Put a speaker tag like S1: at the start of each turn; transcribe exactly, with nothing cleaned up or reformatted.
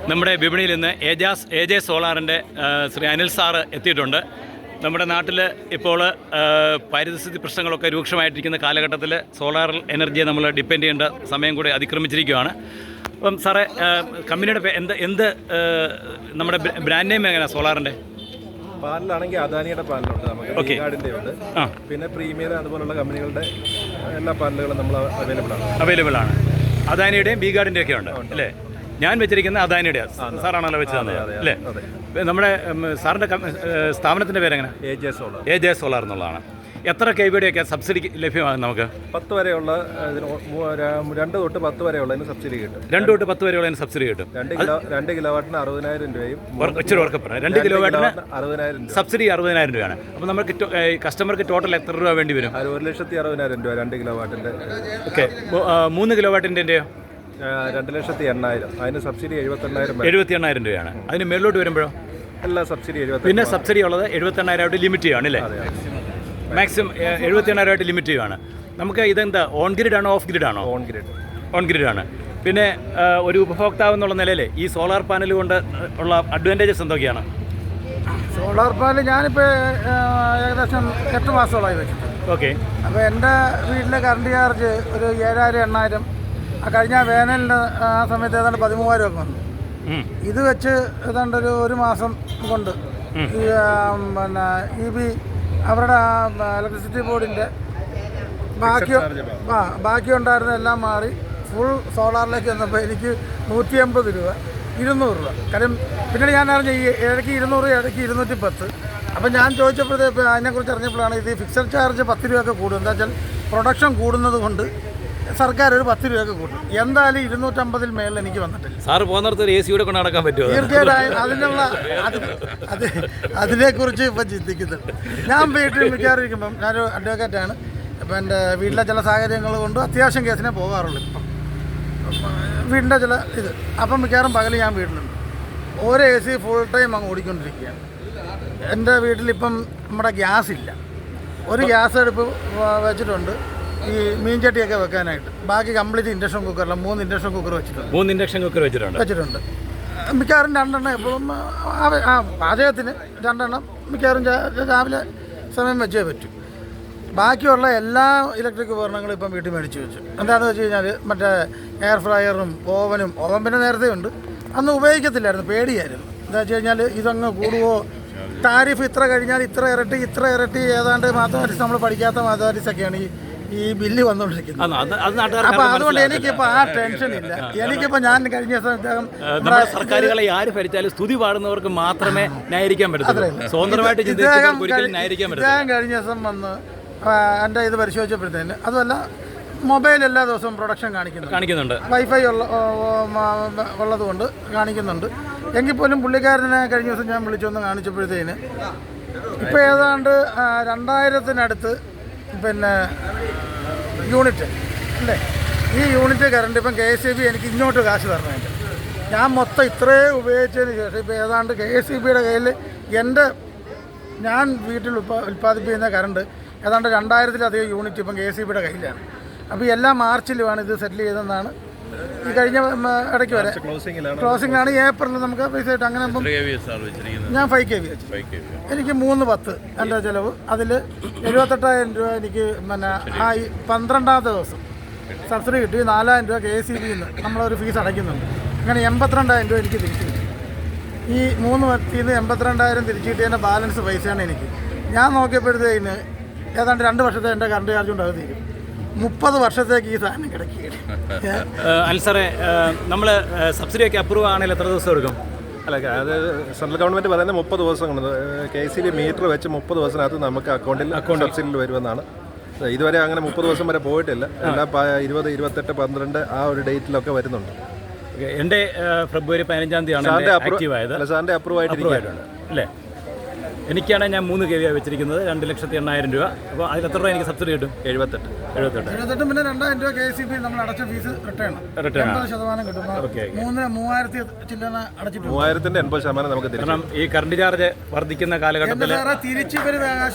S1: നമ്മുടെ വിപണിയിൽ നിന്ന് ഏജാസ് എ ജെ സോളാറിൻ്റെ ശ്രീ അനിൽ സാറ് എത്തിയിട്ടുണ്ട്. നമ്മുടെ നാട്ടിൽ ഇപ്പോൾ പാരിസ്ഥിതിക പ്രശ്നങ്ങളൊക്കെ രൂക്ഷമായിട്ടിരിക്കുന്ന കാലഘട്ടത്തിൽ സോളാർ എനർജിയെ നമ്മൾ ഡിപ്പെൻഡ് ചെയ്യേണ്ട സമയം കൂടി അതിക്രമിച്ചിരിക്കുകയാണ്. അപ്പം സാറേ, കമ്പനിയുടെ എന്ത് എന്ത് നമ്മുടെ ബ്രാൻഡ് നെയിം എങ്ങനെയാണ് സോളാറിൻ്റെ?
S2: പാലിലാണെങ്കിൽ അദാനിയുടെ പാലിലുണ്ട്, നമുക്ക് ഗാർഡിൻ്റെ ഉണ്ട്, പിന്നെ പ്രീമിയർ അതുപോലുള്ള കമ്പനികളുടെ എല്ലാ പാലുകളും നമ്മൾ അവൈലബിൾ ആണ്
S1: അവൈലബിൾ ആണ് അദാനിയുടെയും ബി ഗാർഡിൻ്റെയും ഒക്കെ ഉണ്ട് അല്ലേ? ഞാൻ വെച്ചിരിക്കുന്ന അദാനിയുടെ സാറാണല്ലോ വെച്ച് തന്നെ അല്ലേ? നമ്മുടെ സാറിൻ്റെ സ്ഥാപനത്തിൻ്റെ പേരെങ്ങനെ?
S2: A J Solar.
S1: A J Solar എന്നുള്ളതാണ്. എത്ര കെ വിയുടെയൊക്കെ സബ്സിഡി ലഭ്യമാകും നമുക്ക്?
S2: പത്ത് വരെയുള്ള രണ്ട് തൊട്ട് പത്ത് വരെയുള്ളതിന് സബ്സിഡി കിട്ടും.
S1: രണ്ട് തൊട്ട് പത്ത് വരെയുള്ളതിന് സബ്സിഡി കിട്ടും.
S2: രണ്ട് കിലോ രണ്ട് കിലോ വാട്ടിന് അറുപതിനായിരം രൂപയും
S1: ഇച്ചിരി ഉറക്കപ്പെടും. രണ്ട് കിലോ വാട്ടിന്
S2: അറുപതിനായിരം രൂപ
S1: സബ്സിഡി അറുപതിനായിരം രൂപയാണ്. അപ്പോൾ നമുക്ക് കസ്റ്റമർക്ക് ടോട്ടൽ എത്ര രൂപ വേണ്ടി വരും?
S2: ഒരു ലക്ഷത്തി അറുപതിനായിരം രൂപ രണ്ട് കിലോ വാട്ടിൻ്റെ.
S1: ഓക്കെ, മൂന്ന് കിലോ വാട്ടിൻ്റെയോ?
S2: രണ്ട് ലക്ഷത്തി എണ്ണായിരം. അതിന് സബ്സിഡി എഴുപത്തെണ്ണായിരം
S1: എഴുപത്തി എണ്ണായിരം രൂപയാണ്. അതിന് മേളിലോട്ട് വരുമ്പോഴോ?
S2: എല്ലാ സബ്സിഡി എഴുപത്തി
S1: പിന്നെ സബ്സിഡി ഉള്ളത് എഴുപത്തി എണ്ണായിരമായിട്ട് ലിമിറ്റ് ചെയ്യുകയാണ് അല്ലേ? മാക്സിമം എഴുപത്തി എണ്ണായിരമായിട്ട് ലിമിറ്റ് ചെയ്യുകയാണ്. നമുക്ക് ഇതെന്താ ഓൺ ഗ്രിഡ് ആണോ ഓഫ് ഗ്രിഡ് ആണോ?
S2: On grid.
S1: ഓൺ ഗ്രിഡ് ആണ്. പിന്നെ ഒരു ഉപഭോക്താവ് എന്നുള്ള നിലയിൽ ഈ സോളാർ പാനൽ കൊണ്ട് ഉള്ള അഡ്വാൻറ്റേജസ് എന്തൊക്കെയാണ്?
S3: സോളാർ പാനൽ ഞാനിപ്പോൾ ഏകദേശം എട്ട് മാസത്തോളമായി വെച്ചിട്ട്.
S1: ഓക്കെ.
S3: അപ്പോൾ എൻ്റെ വീട്ടിലെ കറണ്ട് ചാർജ് ഒരു ഏഴായിരം എണ്ണായിരം, കഴിഞ്ഞ വേനലിൻ്റെ ആ സമയത്ത് ഏതാണ്ട് പതിമൂവായിരം ഒക്കെ വന്നു. ഇത് വെച്ച് ഏതാണ്ട് ഒരു ഒരു മാസം കൊണ്ട് ഈ പിന്നെ ഇ ബി അവരുടെ ഇലക്ട്രിസിറ്റി ബോർഡിൻ്റെ ബാക്കി ആ ബാക്കി ഉണ്ടായിരുന്ന എല്ലാം മാറി ഫുൾ സോളാറിലേക്ക് വന്നപ്പോൾ എനിക്ക് നൂറ്റി അമ്പത് രൂപ ഇരുന്നൂറ് രൂപ. കാര്യം പിന്നീട് ഞാൻ അറിഞ്ഞ ഈ ഇടയ്ക്ക് ഇരുന്നൂറ് ഇടയ്ക്ക് ഇരുന്നൂറ്റി പത്ത്. അപ്പം ഞാൻ ചോദിച്ചപ്പോഴത്തേക്ക് അതിനെക്കുറിച്ച് അറിഞ്ഞപ്പോഴാണ് ഇത് ഫിക്സഡ് ചാർജ് പത്ത് രൂപയൊക്കെ കൂടും. എന്താ വെച്ചാൽ പ്രൊഡക്ഷൻ കൂടുന്നത് കൊണ്ട് സർക്കാർ ഒരു പത്ത് രൂപയൊക്കെ കൂട്ടും. എന്തായാലും ഇരുന്നൂറ്റമ്പതിൽ മേളിൽ എനിക്ക് വന്നിട്ടില്ല.
S1: സാറ് പോകുന്നിടത്ത് എ സിയുടെ കൊണ്ട് നടക്കാൻ പറ്റുമോ?
S3: തീർച്ചയായിട്ടും അതിനുള്ള അത് അത് അതിനെക്കുറിച്ച് ഇപ്പം ചിന്തിക്കുന്നുണ്ട്. ഞാൻ വീട്ടിൽ മിക്കാറിരിക്കുമ്പം ഞാനൊരു അഡ്വക്കേറ്റാണ്. അപ്പം എൻ്റെ വീട്ടിലെ ചില സാഹചര്യങ്ങൾ കൊണ്ട് അത്യാവശ്യം കേസിനെ പോകാറുള്ളൂ. ഇപ്പം വീടിൻ്റെ ചില ഇത് അപ്പം മിക്കവാറും പകൽ ഞാൻ വീട്ടിലുണ്ട്. ഓരോ എ സി ഫുൾ ടൈം അങ്ങ് ഓടിക്കൊണ്ടിരിക്കുകയാണ്. എൻ്റെ വീട്ടിലിപ്പം നമ്മുടെ ഗ്യാസ് ഇല്ല. ഒരു ഗ്യാസ് അടുപ്പ് വെച്ചിട്ടുണ്ട് ഈ മീൻചട്ടിയൊക്കെ വെക്കാനായിട്ട്. ബാക്കി കംപ്ലീറ്റ് ഇൻഡക്ഷൻ കുക്കറില്ല. മൂന്ന് ഇൻഡക്ഷൻ കുക്കർ വെച്ചിട്ടുണ്ട്.
S1: മൂന്ന് ഇൻഡക്ഷൻ കുക്കർ വെച്ചിട്ടുണ്ട്
S3: വെച്ചിട്ടുണ്ട് മിക്കവാറും രണ്ടെണ്ണം എപ്പോഴും ആ പാചകത്തിന് രണ്ടെണ്ണം മിക്കവാറും രാവിലെ സമയം വെച്ചേ പറ്റും. ബാക്കിയുള്ള എല്ലാ ഇലക്ട്രിക് ഉപകരണങ്ങളും ഇപ്പം വീട്ടിൽ മേടിച്ച് വെച്ചു. എന്താണെന്ന് വെച്ച് കഴിഞ്ഞാൽ മറ്റേ എയർ ഫ്രയറും ഓവനും, ഓവൻ പിന്നെ നേരത്തെ ഉണ്ട്, അന്ന് ഉപയോഗിക്കത്തില്ലായിരുന്നു, പേടിയായിരുന്നു. എന്താ വെച്ച് കഴിഞ്ഞാൽ ഇതങ്ങ് കൂടുവോ, താരിഫ് ഇത്ര കഴിഞ്ഞാൽ ഇത്ര ഇരട്ടി ഇത്ര ഇരട്ടി ഏതാണ്ട് മാത്തമാറ്റിക്സ് നമ്മൾ പഠിക്കാത്ത മാത്തമാറ്റിക്സൊക്കെയാണ് ഈ ഈ ബില്ല് വന്നുകൊണ്ടിരിക്കുന്നത്. അപ്പൊ അതുകൊണ്ട് എനിക്കിപ്പോ ആ ടെൻഷൻ ഇല്ല. എനിക്കിപ്പോ ഞാൻ കഴിഞ്ഞ ദിവസം
S1: സർക്കാരുകളെ ആര് ഭരിച്ചാലും സ്തുതി പാടുന്നവർക്ക് മാത്രമേ ന്യായീകരിക്കാൻ പറ്റത്തുള്ളൂ. സ്വതന്ത്രമായിട്ട്
S3: ഇദ്ദേഹം കഴിഞ്ഞ ദിവസം വന്ന് എൻ്റെ ഇത് പരിശോധിച്ചപ്പോഴത്തേന് അതുമല്ല മൊബൈൽ എല്ലാ ദിവസവും പ്രൊഡക്ഷൻ കാണിക്കുന്നുണ്ട്
S1: കാണിക്കുന്നുണ്ട്
S3: വൈഫൈ ഉള്ള ഉള്ളത് കൊണ്ട് കാണിക്കുന്നുണ്ട്. എങ്കിൽ പോലും പുള്ളിക്കാരനെ കഴിഞ്ഞ ദിവസം ഞാൻ വിളിച്ചൊന്ന് കാണിച്ചപ്പോഴത്തേന് ഇപ്പോൾ ഏതാണ്ട് രണ്ടായിരത്തിനടുത്ത് പിന്നെ യൂണിറ്റ് അല്ലേ, ഈ യൂണിറ്റ് കറണ്ട് ഇപ്പം കെ എസ് ഇ ബി എനിക്ക് ഇങ്ങോട്ട് കാശ് തരണമായിട്ട് ഞാൻ മൊത്തം ഇത്രയും ഉപയോഗിച്ചതിന് ശേഷം ഇപ്പോൾ ഏതാണ്ട് കെ എസ് ഇ ബിയുടെ കയ്യിൽ എൻ്റെ ഞാൻ വീട്ടിൽ ഉൽപ്പാ ഉൽപ്പാദിപ്പിക്കുന്ന കറണ്ട് ഏതാണ്ട് രണ്ടായിരത്തിലധികം യൂണിറ്റ് ഇപ്പം കെ എസ് ഇ ബിയുടെ കയ്യിലാണ്. അപ്പോൾ എല്ലാ മാർച്ചിലുമാണ് ഇത് സെറ്റിൽ ചെയ്തതെന്നാണ് ഈ കഴിഞ്ഞ ഇടയ്ക്ക് വരെ ക്ലോസിംഗിലാണ്. ഏപ്രിലിൽ നമുക്ക് പൈസ കിട്ടും. അങ്ങനെ ഞാൻ ഫൈവ് കെ വി വെച്ചു. എനിക്ക് മൂന്ന് പത്ത് എൻ്റെ ചിലവ്. അതിൽ എഴുപത്തെട്ടായിരം രൂപ എനിക്ക് പിന്നെ ആ പന്ത്രണ്ടാമത്തെ ദിവസം സബ്സിഡി കിട്ടി. നാലായിരം രൂപ കെ എസ് ഇ ബിയിൽ നിന്ന് നമ്മളൊരു ഫീസ് അടയ്ക്കുന്നുണ്ട്. അങ്ങനെ എൺപത്തിരണ്ടായിരം രൂപ എനിക്ക് തിരിച്ചു കിട്ടി. ഈ മൂന്ന് പത്തിൽ നിന്ന് എൺപത്തിരണ്ടായിരം തിരിച്ചു കിട്ടിയതിൻ്റെ ബാലൻസ് പൈസയാണ് എനിക്ക്. ഞാൻ നോക്കിയപ്പോഴത്തേന് ഏതാണ്ട് രണ്ട് വർഷത്തെ എൻ്റെ കറണ്ട് ചാർജ് കൊണ്ട് അത് തീരും. മുപ്പത് വർഷത്തേക്ക് ഈ സാധനം കിടക്കുകയാണ്.
S1: അൽസറെ, നമ്മൾ സബ്സിഡിയൊക്കെ അപ്രൂവ് ആണെങ്കിൽ എത്ര ദിവസം എടുക്കും?
S2: അല്ല, അത് സെൻട്രൽ ഗവൺമെൻറ് പറയുന്നത് മുപ്പത് ദിവസങ്ങൾ കെ സി ബി മീറ്റർ വെച്ച് മുപ്പത് ദിവസത്തിനകത്ത് നമുക്ക് അക്കൗണ്ടിൽ അക്കൗണ്ട് സബ്സിഡിയിൽ വരുമെന്നാണ്. ഇതുവരെ അങ്ങനെ മുപ്പത് ദിവസം വരെ പോയിട്ടില്ല. എല്ലാം ഇരുപത് ഇരുപത്തെട്ട് പന്ത്രണ്ട് ആ ഒരു ഡേറ്റിലൊക്കെ വരുന്നുണ്ട്.
S1: എൻ്റെ ഫെബ്രുവരി പതിനഞ്ചാം തീയതിയാണ് ആക്റ്റീവ് ആയത്.
S2: സാറിൻ്റെ അപ്രൂവ് ആയിട്ടിരിക്കുകയാണ്
S1: അല്ലേ? എനിക്കാണെങ്കിൽ ഞാൻ മൂന്ന് കെ വി വെച്ചിരിക്കുന്നത്, രണ്ട് ലക്ഷത്തി എണ്ണായിരം രൂപ. അപ്പോൾ അതിൽ എത്ര രൂപ എനിക്ക് സബ്സിഡി കിട്ടും?
S2: എഴുപത്തെട്ട്
S3: എഴുപത്തെട്ട് എഴുപത്തെട്ട് പിന്നെ രണ്ടായിരം രൂപ കെ സി ബി നമ്മൾ അടച്ച ഫീസ് റിട്ടേൺ റിട്ടേൺ എൺപത് ശതമാനം കിട്ടും. മൂന്ന് മൂവായിരത്തി ചില്ലറ അടച്ചിട്ട്
S2: മൂവായിരത്തിന്റെ എൺപത് ശതമാനം നമുക്ക്.
S1: കാരണം ഈ കറണ്ട് ചാർജ് വർദ്ധിക്കുന്ന കാലഘട്ടത്തിൽ
S3: തിരിച്ചു